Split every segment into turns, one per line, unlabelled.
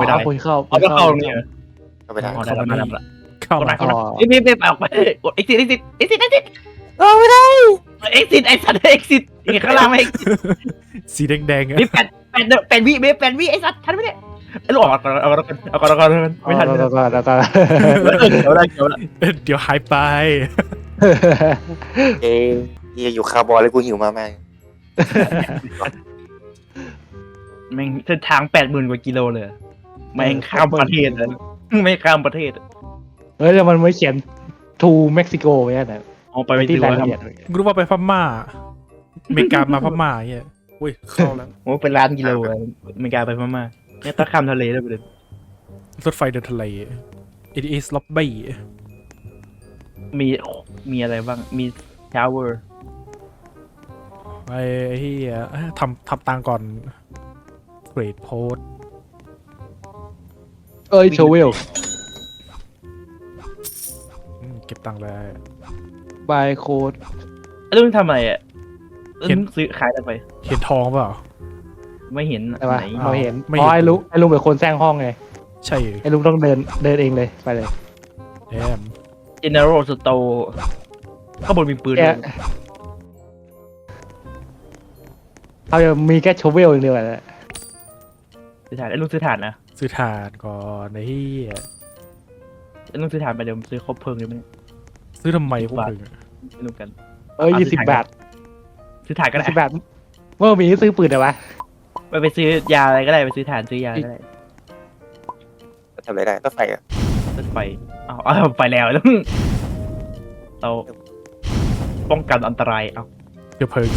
ได้
คนเข้า
เอาก็เข้าตรงนี้เหรอ
ก็ไม่ได้
อ๋อได้แล้วมาแล้ว
เข้ามา
เข้ามาไม่ออกไปกด exit
ไม่ได้
exit ไอ้สัตว์ exit ข้างล่างไม่ exit
สีแดงๆอะ
มี8 วิไอ้สัตว์ทันไหมเนี่ยไอ้ลูกเอาก่อนไม่ทัน
แล้วก็
เดี๋ยว
เดี๋ยวหายไป
เอ้ยอยู่คาร์บอนเลยกูหิวมาก
แม่งเส้นทาง 80,000 กว่ากิโลเลยแม่งข้ามประเทศเลยไม่ข้ามประเทศ
เฮ้ยแล้วมันไม่เขียน to Mexico ไว้นะ
เอาไป
ที่
ที่
ราย
ร้าน
ละเอียด
กูรู้ว่าไปพม่าอเมริกามาพม่าเงี้ยอุ้ยเข้าแล้ว
โอ้เป็นล้านกิโลเลยไม่กล้าไปพม่าเนี่ยต้องข้ามทะเลด้วยประเด็น
รถไฟเดินทะเล it is lobby
มีอะไรบ้างมีทาวเวอร์
ไอ้เหี้ยทำตังก่อนเกรดโพส
เอ้ยโชเวล
เก็บตังค์เลย
บายโค้ด
แล้วมึงทำอะไรอ่ะมึงซื้อขายอะไรไป
เห็นทองเปล่า
ไม่เห็น
ใช่ปะ
ไหน
เราเห็น
ไม่
อ๋
เห็
อน ไอ้ลุงเป็นคนแซงห้องไง
ใช่
ไอ้ลุงต้องเดินเองเลยไปเลย
แอม
General Store ข้างบนมีปืน
แกเขาจะมีแค่โชเวลอย่างเดียวแหละ
ซื้อถ่านไอ้ลุงซื้อถ่านนะ
ซื้อถ่านก่อนไอ้เหี้ย
ไอ้ลุงซื้อถ่านไปเดี๋ยวซื้อครบเพลิงเลยไหม
ซื้อทำไมพวกมึง
ไม่รู้กัน
เอ้ย20 บาท
ซื้อถ่านก็ได้
20 บาทเมื่อมีซื้อปืนเหรอวะ
ไปซื้อยาอะไรก็ได้ไปซื้อถ่านซื้อยาก็ได้
ๆทำอะไรได้ก็ไฟอ่ะ
รถไฟเอาไปแล้วแล้วเราป้องกันอันตรายเอา
เชื้อเพลิง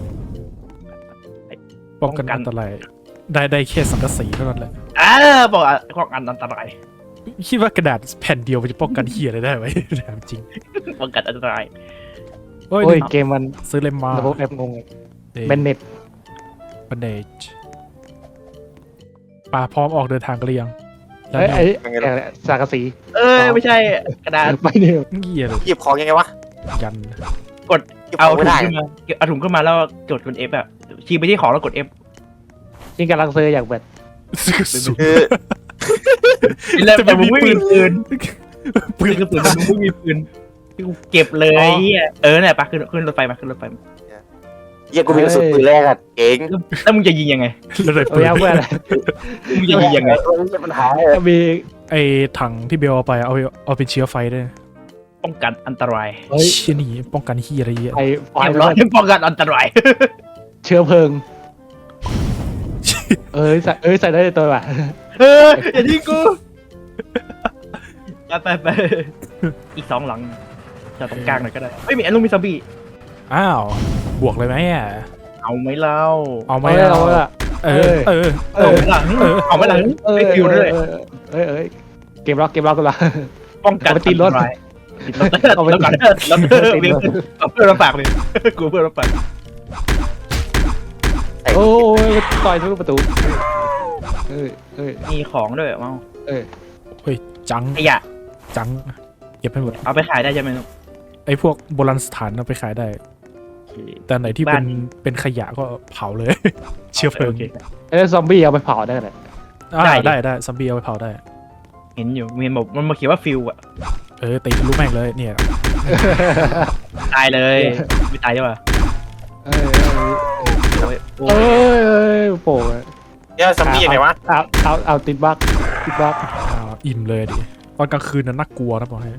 ป้องกันอันตรายได้แค่สังกะสีเท่านั้นแหละ
บอกป้องกันอันตราย
คิดว่ากระดาษแผ่นเดียวมันจะป้องกันเหี้ยอะไรได้ไหมถามจริง
ป้องกันอันตราย
โอ้ย
โอ้ยเกมมัน
ซื้อเลมมา
ระบบแอปงงเป็นเน็ต
บันเดจป่าพร้อมออกเดินทางกันหรือยัง
เอ้ยไอ้สังกะสี
ไม่ใช่กระดาษ
ไปเนี่ย
เหี้ยเลย
หยิบของยังไงวะ
ยัน
หยิบข
เอา
อง
ถุ
ไม่
ง
ได้
ขึ้นมาเอาถุงขึ้นมาแล้วกด F อ่ะชี้ไปที่ของแล้วกด F
จริงกำลังซื้ออย่างแบบ
สุด
คือ
แล้วแต่มึงไม่มีปืน
ปืน
คือปืนมึงไม่มีปืนเก็บเลยเฮียเนี่ยปะขึ้นรถไฟมาขึ้นรถไฟมา
เหี้ยกูมีกระสุนปืนแรกอ่ะเก่ง
แล้วมึงจะยิงยังไง
แล้วเลย
เอา
ปืน
ยาเพื่อนอะไร
มึงจะยิงยังไง
ไม่ใช่ปัญหา
จะมี
ไอ้ถังที่เบลเอาไปเอาเป็นเชื้อไฟด้วย
ป้องกันอันตราย
เฮ้ย
เชี่ยนี่ป้องกันเหี้ยอะไรเงี้ย
ไฟ
เรียบร้อยป้องกันอันตราย
เชื้อเพลิง ใส่ได้ในตัวว่ะ
อย่าทิ้งกูไปอีก2 หลังจะตรงกลางหน่อยก็ได้ไม่มีอันลุงมีซอมบี้
อ้าวบวกเลยไหมอ่ะ
เอาไหมเล่า
เอาไหม
เราอะ
เอาไหมล่ะเอาไหมล่ะไม่ฟิวด้วย
เกมล็อกกันละ
ป้องกันอันตรายติดรถแล้วกันแล้วเอาเพื่อนมาฝากเลยกูเพื่อนมาฝาก
โอ้ยต่อยทุกประตูเอ้ย
มีของด้วยมั้ง
เฮ้ยจัง
ขยะ
จังเก็บให้หมด
เอาไปขายได้ใช่ไหม
ไอ้พวกโบราณสถานเอาไปขายได้ แต่ไหนที่เป็นขยะก็เผาเลย เชื้อเพลิง
ไอ้ซอมบี้เอาไปเผาได้เลย
ได้ซัมบี้เอาไปเผาได้
เห็นอยู่มีบอกมันมาเขียนว่าฟิวอะ
ตีทะลุแม่งเลยเนี่ย
ตายเลยไม่ตายใช่ป่ะ
เอ้ยโป่ง
เนี่ยซัมบี้ยังไงวะ
เอาติดบั๊ก
อิ่มเลยดิตอนกลางคืนนั้นน่ากลัวนะบอกให้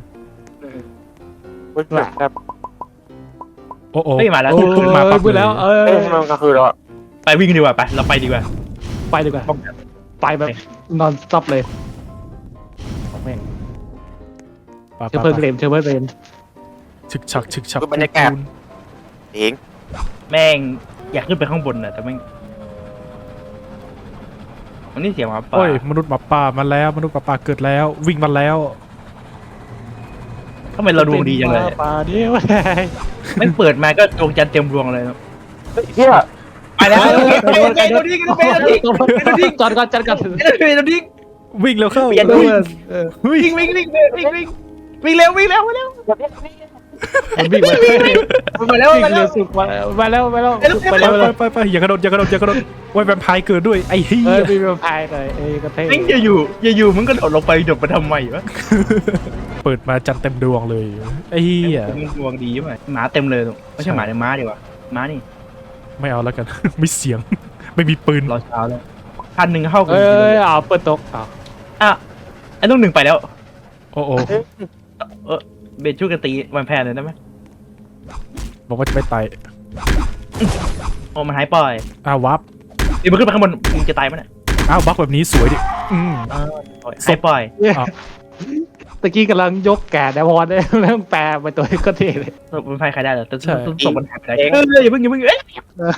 ครับ
โอ้โห
ไม่มาแล้ว
มาปั๊บ
พูดแล้ว
มันก็คือเรา
ไปวิ่งดีกว่าไปเราไปดีกว่า
ไปดีกว่าไปแบบนอนซับเลยแม่งเชื้อเพลิงเรน
ฉึกฉัก
เก่ง
แม่งอยากขึ้นไปข้างบนน่ะแต่แม่งมันนี่เสียงหมาป่า
โอ้ยมนุษย์หมาป่ามาแล้วมนุษย์หมาป่าเกิดแล้ววิ่งมาแล้ว
ทำไมเราดวงดีจังเลย
ป่าเดียว
มันเปิดมาก็ดวงจันทร์เต็มดวงเลย
เหี้ย
ไปแล้วไปโดนทิ้ง
จอดก่อน
โดนทิ้ง
วิ่งเร็วเข้า
วิ่งเร็ว
มันวิ่งมา
มาแล้ว
วิ่ง
มาแล้
เร็
ว
วสุดมาแล้วไป
ไป
แล้ว
ไปอย่ากระโดดอย่ากระโดดอย่ากระโดดโอ้ยแวมไพร์เกิดด้วยไอ้เหี้
เอ้ย
ย
มีแวมไพร์หน่อยกระเทย
แม่งอย่าอยู่มึงก็โดดลงไปโดดไปทำไมวะ
เปิดมาจันเต็มดวงเลยไอ้เหี้ย
มึงดวงดีไหมหมาเต็มเลยตรงไม่ใช่หมาแต่ม้าดีกว่าม้านี่
ไม่เอาแล้วกัน ไม่เสียงไม่มีปืน
รอเช้าแล้ว1,000เข้ากัน
เอ้ยเอาเปิดตกเอา
อ่ะไอ้ลูกหนึ่งไปแล้ว
โอ้โอ้
เบนช่วยกันตีวันแพนเลยได้ไหม
บอกว่าจะไม่ตาย
โอ้มันหายปล่อย
อ้าววับ
นี่มันขึ้นไปข้างบนมึงจะตายมั้ยเนี่ย
อ้าวบักแบบนี้สวยดิอืม
หายปล่อย
ตะกี้กำลังยกแกะแดวอนได้แล้วแปลไปตัวก็เท่เลย
มันไฟใครได้เหรอต้องส่งมันหายไปได้อย่าเพิ่งเอ้ย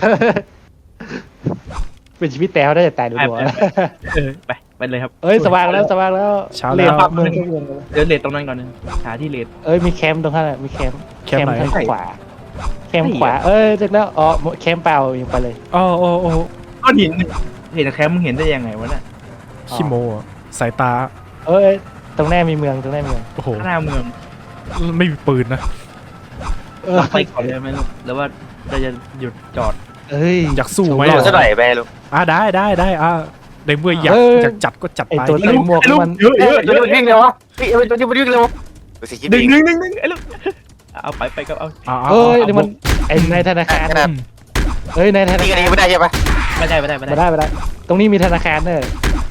เป็นชีวิตแต่ได้แต่ตายดูหัว
ไปเลยครับ
เอ้ยสว่างแล้วสว่างแล้ว
เช้า
เล
แล้ว
นเมือง
เดี๋ยวเลดตรงนั้นก่อนนึงหาที่เลด
เอ้ยมีแคมป์ตรงข้างมีแคมป์
แคมป์ไหน
ทางขวาแคมป์ขวาเอ้ยเจอแล้วอ๋อแคมป์เปล่ายังไปเลย
อ๋อโอ้โอ้
ก้อนหินเห็นแคมป์มึงเห็นได้ยังไงวะเนี่ย
ขี้โมอะสายตา
เอ้ยตรงแน่มีเมืองตรงแน่มีเมือง
โอ้โห
ข้างหน้าเมือง
ไม่มีปืนนะ
ไปก่อนเลยไหมลูกหรือว่าเราจะหยุดจอด
เอ้ย
อยากสู้ไหม
โดน
อะ
ซะหน่อยไปลูก
ได้ในเมื่ออยาก
เออ
อยากจัดก็จัด
ไอ
ไป
ตัวใส่หมวกมัน
เยอะ
เอ้ยตัวนี้มันวิ่งเร็ววะพี่เอ้ยตัวนี้มันวิ่งเร็วดูสิคิด
ดึ
ดี
งไอ้ลูกเอาไปก็เอา
เอ้ยนี่มันไอในธนาคาร
ขนาด
เอ้ยในธนา
นี่
คา
ก็
ร
ดีไม่ได้ใช่ปะ
ไม่ได้
ไม่ได้ตรงนี้มีธนาคารเนอะ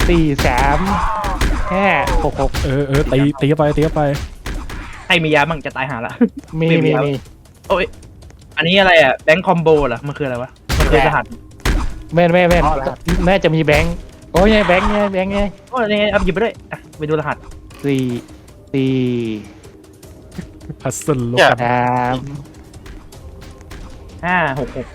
4356
เออตีเข้าไป
ใครมียาบ้างจะตายหาละ
มี
โอ้ยอันนี้อะไรอ่ะแบงค์คอมโบเหรอมันคืออะไรวะมันคือรหัส
แม่น่าจะมีแบงค์โอ้ยแบงค์ไง
โอ้ยนี่ไงเอาหยิบไปด้วยไปดูรหัส
4
พัซเซิลโลก
3
566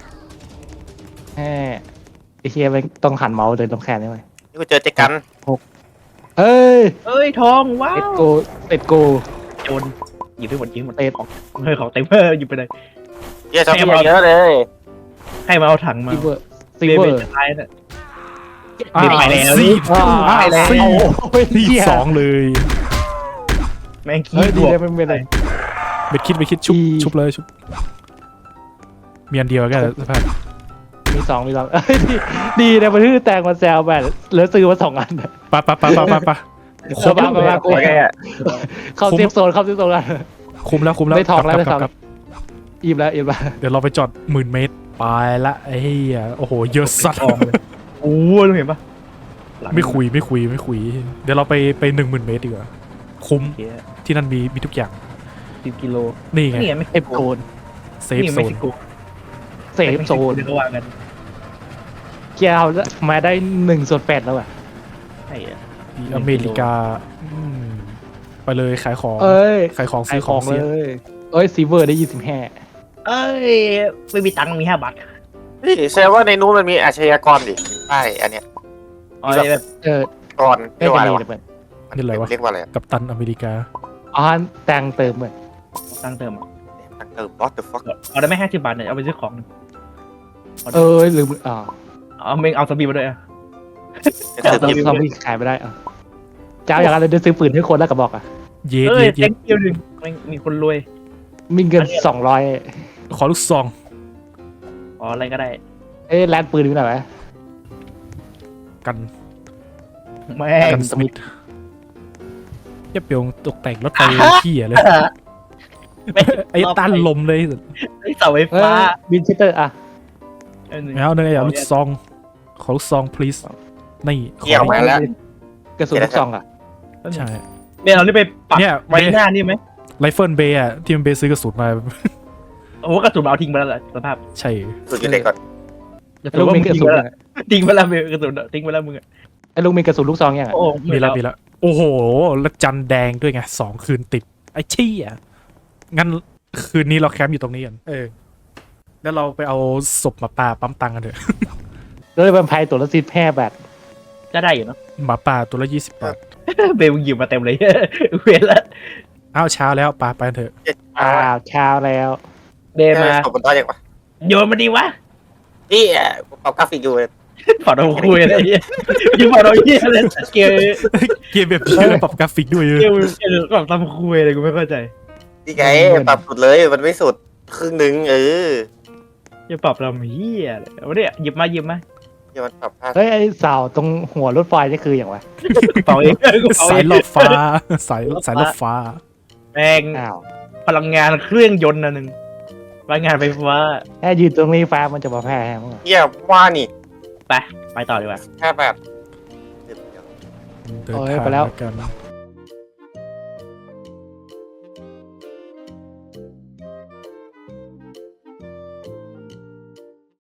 5ไอเฮียแบงค์ต้องหันเมาส์เดินตรงแขนได้ไหม
นี่กูเจอเจกัน
เอ้ย
เอ้ยทองว้า
เอ็ด
ว
โก
โจรหยิบไปหมดยิงหมด
เต็ด
ของของเต็มหยิบไปเลย
เยอะชอบเยอะเลย
ให้มาเอาถังมา
ซิเวอร์
จะตายเนี่ย
อ้าว
ไปแล้ว
สี่
ไปแล้ว
สี่สองเลย
แม่ง
เฮ้
ขี้
ย
บ
ดี
วก
เลยมันเป็นอะไร
ไปคิดชุบเลยชุบมีอันเดียวกันสภาพ
มี2เอ้ยดีนะมันคือแตงมาแซวแบบเหลือซื้อมา2 อัน
ปะครบ
มากู
โอเคอะ
เข้าเซฟโซนกัน
คุ้มแล้ว
ได้ทองแล้ว
ก
ได้ทอง
ลับ
อิ่มแล้ว
เดี๋ยวเราไปจอด10,000 เมตรไปละไอ้เหี้ยโอ้โหเยอะสัตว์
ทองเลยโอ้ยเห็นปะ
ไม่คุยเดี๋ยวเราไป10,000 เมตรดีกว่าคุ้มที่นั่นมีทุกอย่าง
10 กิโล
นี่ไง
นี่ไม่
เซฟโซน
เซฟโซ
เม็ก
น
ซิโก
เซฟโซน
เขาวางกัน
เกียร์มาได้1/8แล้วอ่ะ
ใช่อะ
อเมริกาไปเลยขายของ
เอ้ย
ขายของ
ขา
ซื้
ย
อ
ข
ข
อ
อง ง
เล
เสีย
ยเอ้ยซีเวอร์ได้25
เอ้ยไม่มีตังค์มี5 บาท
นี่แสดงว่าในนู้นมันมีอาชญากรดิใช่อันเนี้ย
อ๋อแบบ
ก่อนเรี
ได้
ยกว่า
จะ
อะไร
มี
วะ
เลย
นี่อะไรวะ
เรียกว่าอะไร
กัปตันอเมริกา
อ๋อแต่งเติมเหมือน
ตังค์เติมอ่ะ
what the fuck
เอาได้ไหม50 บาทเนี่ยเอาไปซื้อของ
ลืม
เอาเมงเอาสบีมาด้วยอ่ะ
จะซื้อ
ซอ
พิมพ์
มบี้ขายไม่ได้เจ้าอย่างไรเดี๋ยวซื้อปืนให้คนแล้วกระบอกอ่ะ
เย็
เอ้ย
ด
แตงเกียวหนึ่งมีคนรวย
มีเงิน200
ขอลูกซอง
อ๋ออะไรก็ได้
ร้านปืนมีไหนไหม
กัน
แม่
กั
ง
นสมิธเยี่ยเปียวตกแต่งรถไฟเหี้ยเลยไอ้ต้านลมเลย
ไอ้เสาไฟฟ้า
บินชิเตอร์อ่ะ
เอาเนี่ยลูกซองขอลูกซอง please นี่ข
เกี่ยวมาแล้ว
กระสุนลูกซองอ่ะ
ใช่
เดี๋ยวเรานี่ไปปัก
เนี่ย
ไว้หน้านี่ไหม
ไรเฟิลเบย์อะที่มันเบย์ซื้อกระสุนมา
โอ้โหกระสุนเอาทิ้งไปแล้วแหละสภาพ
ใช่
สุดอยู่เด็กก่อน
กระสุ
ลู
น
ก
ว่า
มี
มึง
กระ
ทิ้ง
สุ
ไป
น
แล้วทิ้งไปแล้วกระสุนทิ้งไปแล้วมึงอ่ะ
ไอ้ลุงมีกระสุนลูกซองยังอ่ะ
โอ้
มีแล้วโอ้โหแล้วจันแดงด้วยไง2 คืนติดไอ้เชี่ยงั้นคืนนี้เราแคมป์อยู่ตรงนี้กันแล้วเราไปเอาศพหมาป่าปั๊มตังค์กันเถอะ
เลยเป็นไพ่ตัวละ10 บาท
ก็ได้อยู่เนาะ
หมาป่าตัวละ20 บาท
เบลมึงหยิบมาเต็มเลย เวรละ
อ้าวเช้าแล้วปาไปกันเถอะ
เช้าแล้ว
เบมา
ตบบนโต๊ะยังวะ
โยนมาดีวะ
นี่ปรับกราฟิกอยู่
ขอเราคุยอะไรเงี้ยยิ่งพอเราเยี่ยเลยเกม
เกมแบบนี้ปรับกราฟิกด้วย
เกมแบบทำคุยอะไรกูไม่เข้าใจ
นี่ไงปรับสุดเลยมันไม่สุดครึ่งหนึ่ง
จะปรับเราเฮียเลยเอาเนี่ยหยิบมา
อย่ามันปรับค่า
เฮ้ยไอ้เสาตรงหัวรถไฟนี่คืออย่างไร
เป่าเองเป่า
สา
เอย ง
รถฟ้าสายรถฟ้า
แม่ง
อ้าว
พลังงานเครื่องยนต์อันหนึ่งพลังงานไฟฟ้า
แค่ยืนตรงนี้ฟ้ามันจะมาแพ้มั้ง
เยี่ยว่านี่
ไปต่อดีกว่า
แค่แบบ
เดินทางกัน